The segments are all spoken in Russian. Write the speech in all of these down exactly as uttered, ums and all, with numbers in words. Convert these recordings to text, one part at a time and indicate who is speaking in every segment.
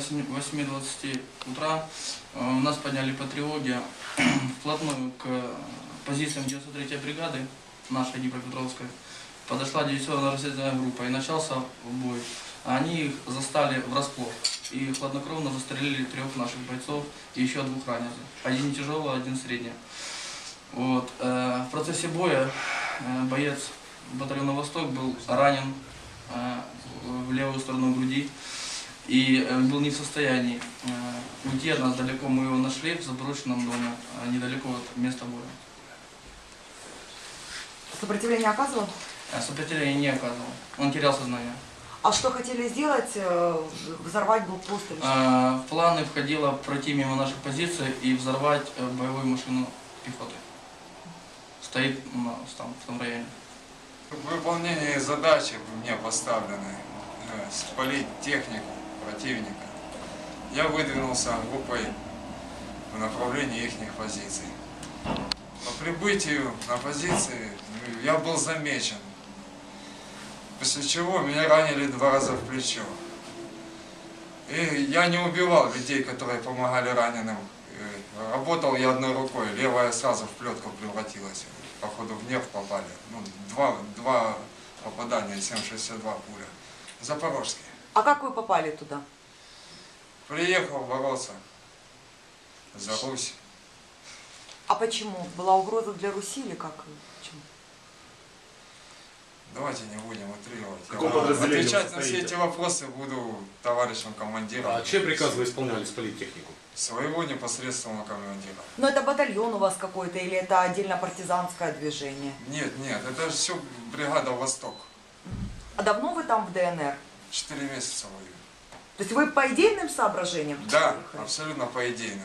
Speaker 1: восьми двадцати утра у нас подняли по тревоге вплотную к позициям девяносто третьей бригады, нашей Днепропетровской. Подошла диверсионная разведывательная группа и начался бой. Они их застали врасплох и хладнокровно застрелили трех наших бойцов и еще двух раненых. Один тяжелый, один средний. Вот. В процессе боя боец батальона «Восток» был ранен в левую сторону груди и был не в состоянии уйти от нас далеко. Мы его нашли в заброшенном доме, недалеко от места боя.
Speaker 2: Сопротивление оказывал?
Speaker 1: Сопротивление не оказывал. Он терял сознание.
Speaker 2: А что хотели сделать? Взорвать блокпост или что?
Speaker 1: В планы входило пройти мимо наших позиций и взорвать боевую машину пехоты. Стоит там, в том районе.
Speaker 3: В выполнении задачи мне поставлены спалить технику противника. Я выдвинулся группой в направлении их позиций. По прибытию на позиции я был замечен, после чего меня ранили два раза в плечо. И я не убивал людей, которые помогали раненым. Работал я одной рукой, левая сразу в плетку превратилась. Походу в нерв попали. Ну, два, два попадания, семь шестьдесят два пуля. Запорожские.
Speaker 2: А как вы попали туда?
Speaker 3: Приехал бороться за Русь.
Speaker 2: А почему? Была угроза для Руси или как? Почему?
Speaker 3: Давайте не будем утрировать.
Speaker 4: Каком подразделении
Speaker 3: Отвечать на все эти вопросы буду товарищем командиром.
Speaker 4: А чей приказ вы исполняли спалить технику?
Speaker 3: Своего непосредственного командира.
Speaker 2: Но это батальон у вас какой-то или это отдельно партизанское движение?
Speaker 3: Нет, нет, это все бригада «Восток».
Speaker 2: А давно вы там в ДНР?
Speaker 3: Четыре месяца воюю.
Speaker 2: То есть вы по идейным соображениям?
Speaker 3: Да,
Speaker 2: приехали?
Speaker 3: абсолютно по идейным.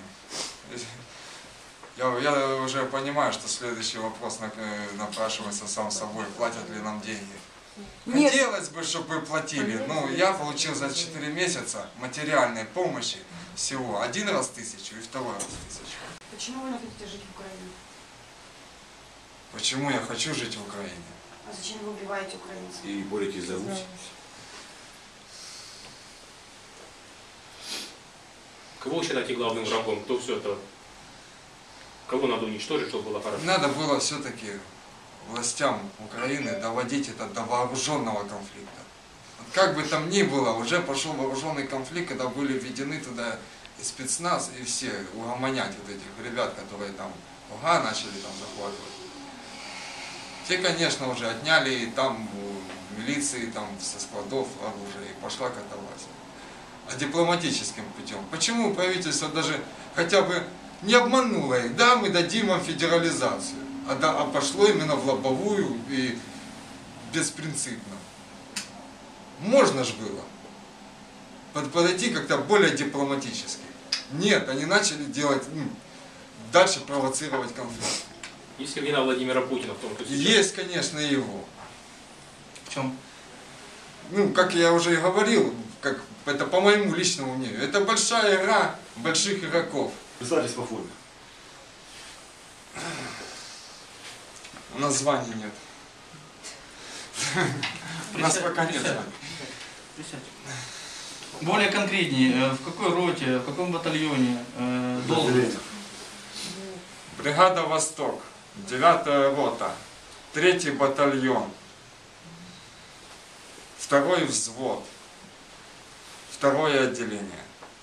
Speaker 3: Я, я уже понимаю, что следующий вопрос напрашивается сам собой, платят ли нам деньги.
Speaker 2: Нет.
Speaker 3: Хотелось бы, чтобы вы платили. Ну, я получил за четыре месяца материальной помощи всего один раз тысячу и второй раз тысячу.
Speaker 5: Почему вы не хотите жить в Украине?
Speaker 3: Почему я хочу жить в Украине?
Speaker 5: А зачем вы убиваете украинцев?
Speaker 4: И боретесь за Русь? Кого вы считаете главным врагом? Кто все это? Кого надо уничтожить, чтобы было хорошо?
Speaker 3: Надо было все-таки властям Украины доводить это до вооруженного конфликта. Вот как бы там ни было, уже пошел вооруженный конфликт, когда были введены туда и спецназ, и все угомонять вот этих ребят, которые там ОГА начали там захватывать. Те, конечно, уже отняли и там у милиции, там со складов оружия, и пошла катавасия. А дипломатическим путем. Почему правительство даже хотя бы не обмануло их? Да, мы дадим вам федерализацию. А, да, а пошло именно в лобовую и беспринципно. Можно ж было под, подойти как-то более дипломатически. Нет, они начали делать, ну, дальше провоцировать конфликт.
Speaker 4: Есть ли вина Владимира Путина в том, что сейчас...
Speaker 3: Есть, конечно, и его.
Speaker 1: В чем?
Speaker 3: Ну, как я уже и говорил, как, это по моему личному мнению, это большая игра больших игроков.
Speaker 4: Представьтесь по форме.
Speaker 3: У нас званий нет. У нас пока нет званий.
Speaker 1: Более конкретнее, в какой роте, в каком батальоне должность?
Speaker 3: Бригада «Восток», девятая рота, третий батальон, второй взвод, второе отделение.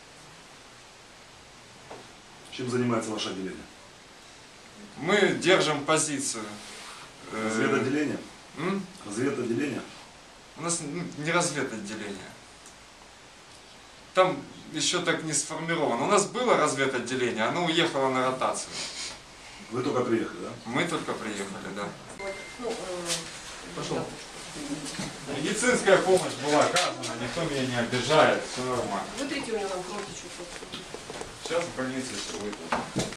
Speaker 6: Чем занимается ваше отделение?
Speaker 3: Мы держим позицию.
Speaker 6: Разведотделение?
Speaker 3: М?
Speaker 6: Разведотделение?
Speaker 3: У нас не разведотделение. Там еще так не сформировано. У нас было разведотделение, оно уехало на ротацию.
Speaker 6: Вы только приехали, да?
Speaker 3: Мы только приехали, да.
Speaker 1: Пошел.
Speaker 3: Медицинская помощь была оказана, никто меня не обижает, все нормально.
Speaker 5: Вытрите у него там кровь течет.
Speaker 3: Сейчас в больнице все выйдет.